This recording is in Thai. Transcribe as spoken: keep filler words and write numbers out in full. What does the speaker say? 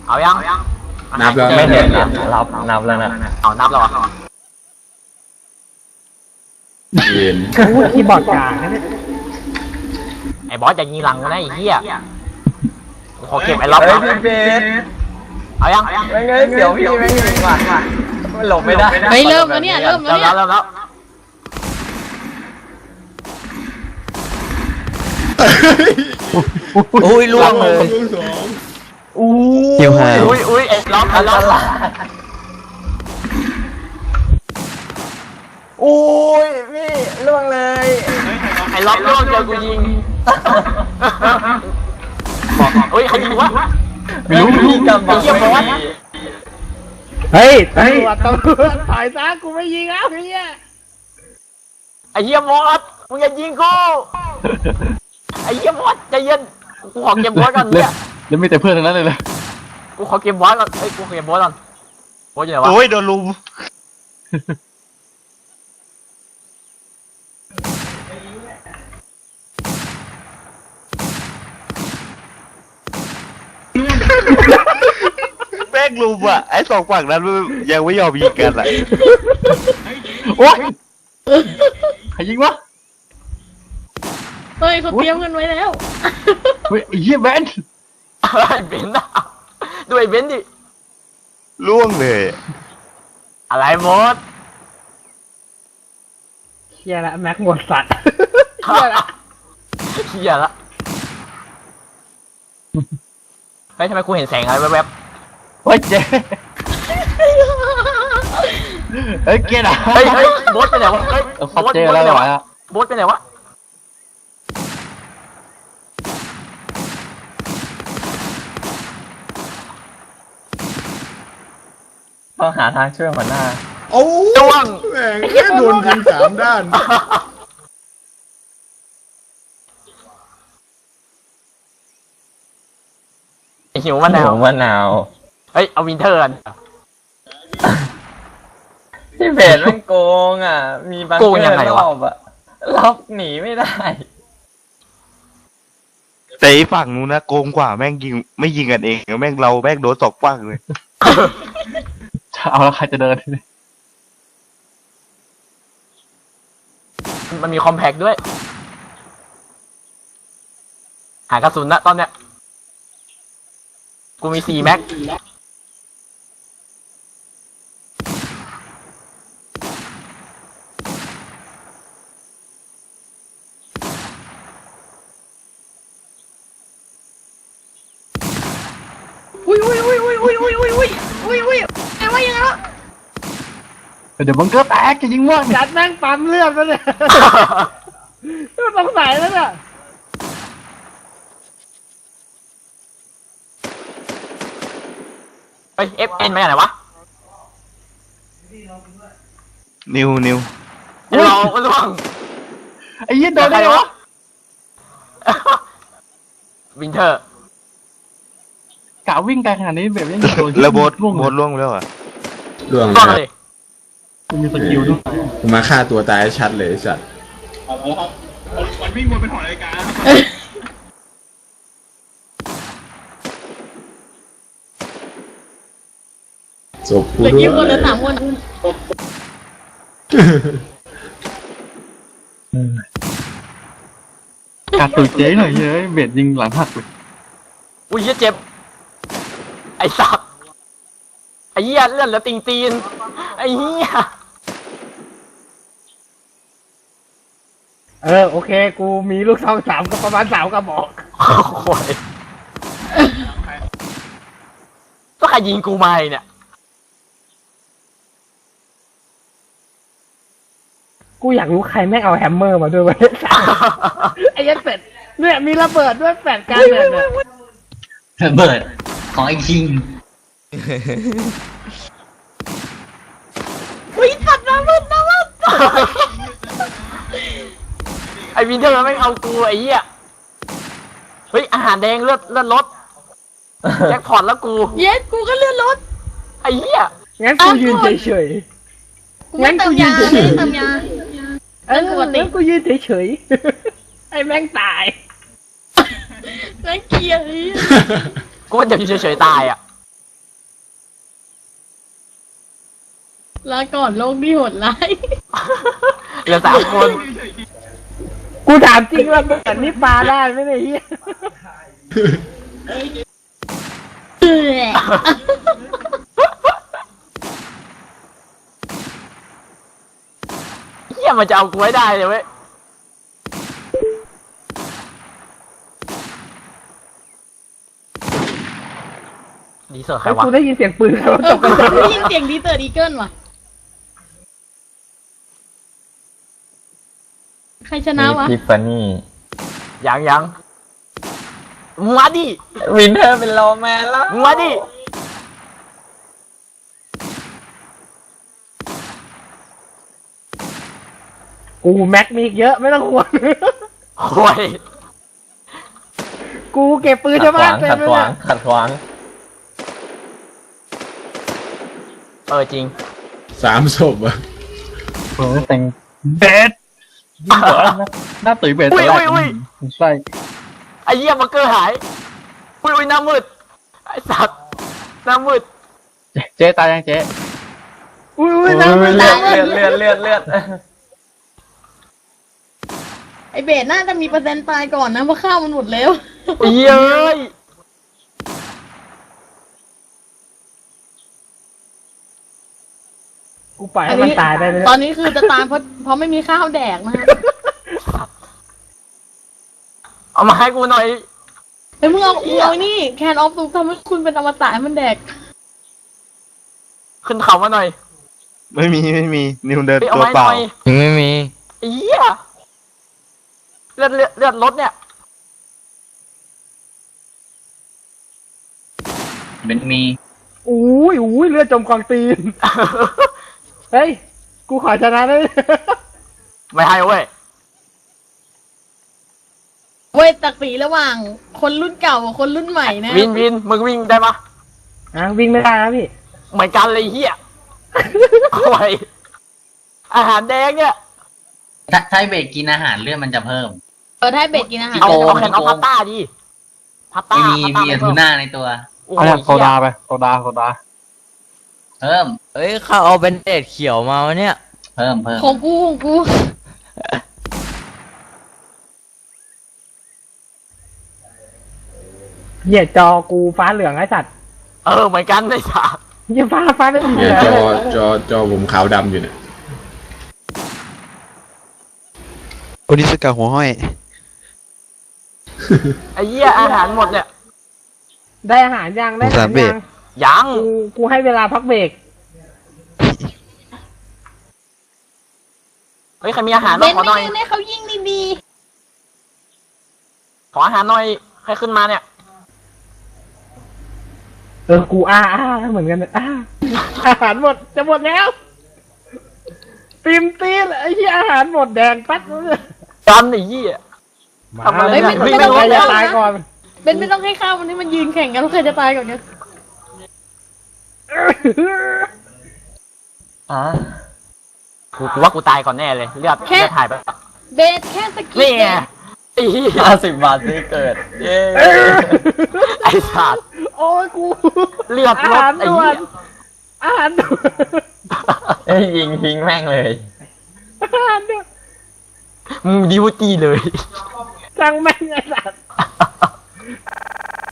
เอายังนับแล้วไม่เห็นนะรับนับแล้วนะเอานับแล้วอ่ะเย็นพูดคีย์บอร์ดกลางนะเนี่ยไอ้บอสจะยิงหลังกูนะไอ้เหี้ยขอเก็บไอ้ล็อกนะเอายังไม่เงยเดี๋ยวพี่ไม่ยิงว่ะมันหลบไม่ได้เฮ้ยเริ่มแล้วเนี่ยเริ่มแล้วเนี่ยเริ่มแล้วอุ้ยล่วงเลยลูกสองอู้เกี่ยวหาอุ้ยอุ้ยไอ้ล็อกไอ้ล็อกอุ้ยพี่ล่วงเลยไอ้ล็อกล่วงเจอกูยิงอุ้ยใครยิงวะไม่รู้พี่จำบอกไม่ได้เฮ้ยตำรวจตำรวจถอยซะกูไม่ยิงแล้วเนี่ยไอ้เหี้ยมอสมึงอย่ายิงกูไอ้เหี้ยมอสใจเย็นกูขอเก็บบอสก่อนเนี่ยแล้วมีแต่เพื่อนทั้งนั้นเลยเลยกูขอเก็บบอสก่อนเอ้ยกูขอเก็บบอสก่อนบอสอยู่ไหนวะโอ้ยโดนลุมแม่งลุมอ่ะไอ้สองฝั่งนั้นยังไม่ยอมยิงกันอ่ะโอ๊ยใครยิงวะเฮ้ยเขาเตรียมกันไว้แล้วเฮ้ยไอ้เหี้ยแบนไอ้เบนซ์อะดูไอ้เบนซ์ดิล่วงเลยอะไรมดเฮียละแม็กหมดสัตว์เฮียละเฮียละเฮ้ยทำไมกูเห็นแสงอะไรแวบโอ๊ยเจ๊เฮ้ยเกียร์อะๆเฮ้ยเฮ้ยบอสไปไหนวะเฮ้ยเขาเจอแล้วเหรอโบ๊ทไปไหนวะต้องหาทางช่วยหัวหน้าโอ้จ้วงแม่งแค่โดนยิงสามด้านไอหิวมะนาวหัวมะนาวเฮ้ยเอาวินเทอร์กันพี่เบสมันโกงอ่ะมีบางรอบอ่ะรอบหนีไม่ได้แต่อีฝั่งนู้นนะโกงกว่าแม่งยิงไม่ยิงกันเองแม่งเราแม่งโดนสองฝั่งเลยเอาแล้วใครจะเดินมันมีคอมแพคด้วย หากระสุนนะตอนเนี้ยกูมีสี่แม็กอุ้ยอุ้ยอุ้ยอุ้ยอุ้ยอุ้ยอุ้ยอุ้ยอุ้ยอุ้ยไอ้ว่ายังไงวะเดี๋ยวบังเกอร์แตกจะยิงม่วงจัดแม่งปั๊มเลือดแล้วเนี่ยต้องใส่แล้วเนี่ยเฮ้ยเอฟเอ็นมาจากไหนวะนิวนิวเราล่วงไอ้ยี่โดนได้วะวินเทอร์กะวิ่งไกลขนาดนี้แบบยังโดนแล้วโบสโบสล่วงแล้วอ่ะล่วงล่วงนะเลยกูมีสกิลด้วยกูมาฆ่าตัวตายชัดเลยสัตว์จบกูเหลือด้วกี่คนเหลืยอสามคนกัดตุ่เจ๊หน่อยเฮ้ยเบ็ดยิงหลังหักเลยอุ้ยเหี้ยเจ็บ ไอ้สับไอ้เหี้ยเลื่อนแล้วติงตีน ไอ้เหี้ยเออโอเคกูมีลูกซองสามกับประมาณสามกระบอกโอ้ยก็ใครยิงกูมาเนี่ยกูอยากรู้ใครแม่งเอาแฮมเมอร์มาด้วยวะไอ้ยันเป็ดเนี่ยมีระเบิดด้วยแปดการเนี่ยระเบิดของไอ้คิงอุ้ยสัตว์น้ำมันน้ำมันไอ้วินเทอร์มันไม่เอากูไอ้เหี้ย เฮ้ยอาหารแดงเลือดเลือดลดแจ็คพอตแล้วกูเย็ดกูก็เลื่อนรถไอ้เหี้ยงั้นกูยืนเฉยกูไม่เติมยาไม่เติมยาๆเอองั้นกูยืนเฉยๆไอ้แม่งตายน่าเกลียดเลยกูว่าจะเฉยๆตายอ่ะลาก่อนโลกที่โหดร้ายเหลือสามคนกูถามจริงว่าเหมือนนี่ปลาได้ไหมเนี่ยเฮียเออเฮียมันจะเอากูไว้ได้เลยเว้ยดีเสิร์ฟใครไอ้วะกูได้ยินเสียงปืนแล้วเอตอกใจได้ยินเสียงดีเตอร์ดีเกิลว่ะ ใครชนะวะทิฟฟานี่ยังยังมาดิวินเทอร์เป็นโลแมนแล้วมาดิกูแม็กมีอีกเยอะไม่ต้องห่วงโอ้ยกูเก็บปืนขัชาดวขบ้าวาน งเต็ขัมดเลยขวางเนี่ยขัดขวางเออจริงสามศพอะเออแต่งเบสยิ่งกว่าหน้าหน้าตุ๋ยเบสอุ้ยตอนแรอุ้ยกอุ้ยใช่ไอ้เหี้ยบังเกอร์หายอุ้ยอุ้ยหน้ามืดไอ้สัตว์หน้ามืดเจ๊เจ๊ตายยังเจ๊อุ้ยอุ้ยน้ำเลืมันอน้ำดมันเลือดเลือดเลือดเลือดไอเบสน่าจะมีเปอร์เซ็นต์ตายก่อนนะเพราะข้าวมันหมดแล้วไอ้เหี้ยเอ้ยกูปล่อยให้มันตายได้เลยตอนนี้คือจะตายเพราะเพราะไม่มีข้าวแดกนะฮะเอามาให้กูหน่อยเฮ้ยมึงเอามึงเอานี่แคนออฟตุกทำให้คุณเป็นอมตะให้มันแดกขึ้นเขามาหน่อยไม่มีไม่มีนิวเดินเฮ้ยเอาตัวไม้เปหล่าน่อยยังไม่มีไอ้เหี้ยเลือดเลือดเลือดรถเนี่ยเป็นมีอุ้ยอุ้ยเลือดจมกองตีน เฮ้ย กูขอชนะได้ไหมไม่ให้เว้ยเว้ยตักสีระหว่างคนรุ่นเก่ากับคนรุ่นใหม่นะวินวินมึงวิ่งได้ปะอ่ะวิ่งไม่ได้นะพี่เหมือนกันเลยไอ้เหี้ยโอ้ยอาหารแดงเนี่ยถ้าถ้าเบสกินอาหารเลือดมันจะเพิ่มเออถ้าให้เบสกินอาหารเอาโกงเอาแค่เอาโกงพาสต้าดิพาสต้ามีพาสต้ามีไม่ทูเพิ่มน่าในตัวโอ้โหเอาเนี่ยโซเหี้ยดาไปโซดาโซดาเพิ่มเอ้ยเขาเอาเป็นเดดเขียวมาวะเนี่ยเพิ่มเพิ่มของกูของกูเหยียดจอกูฟ้าเหลืองไอ้สัตว์เออเหมือนกันเลยสัตว์เหยียดฟ้าฟ้าเหลืองเนี่ยจอจอจอผมขาวดำอยู่เนี่ยโอนิสกาหัวห้อยไอ้เหี้ยอาหารหมดเนี่ยได้อาหารยังได้อาหารสามเบรยักงยังกูกูให้เวลาพักเบรกเฮ้ยใครมีอาหารเบบ้างนขอหน่ไม่อยยืนให้เขายิงดีขออาหารหน่อยใครขึ้นมาเนี่ยเออกูอ้าอ้าเหมือนกันเลยอ้าอาหารหมดจะหมดแล้วตีมตีนไอ้ที่อาหารหมดแดงปั๊ดเลยกันไอ้เหี้ยมาทำอะไรไม่เนี่ยไม่ไม่ไม่ไม่ใครไม่จะตายก่อนๆเบนไม่ต้องให้ข้าวมันให้มันยืนแข่งกันแล้วใครจะตายก่อนกันอ่ะกูกูว่ากูตายก่อนแน่เลยเลือดเลือดถ่ายไปเบสแค่สกินี่ปไงไอ้เหี้ยห้าสิบบาทซื้อเกิด เย้ไอ้สัตว์โอ้ยกูเลือดอาลดหารไอ้ด่วเหี้ยนอาหารด่วนเอ้ยยิงทิ้งแม่งเลยอาหารด่วนมึงดิวตี้เลยจังแม่งไอ้สัตว์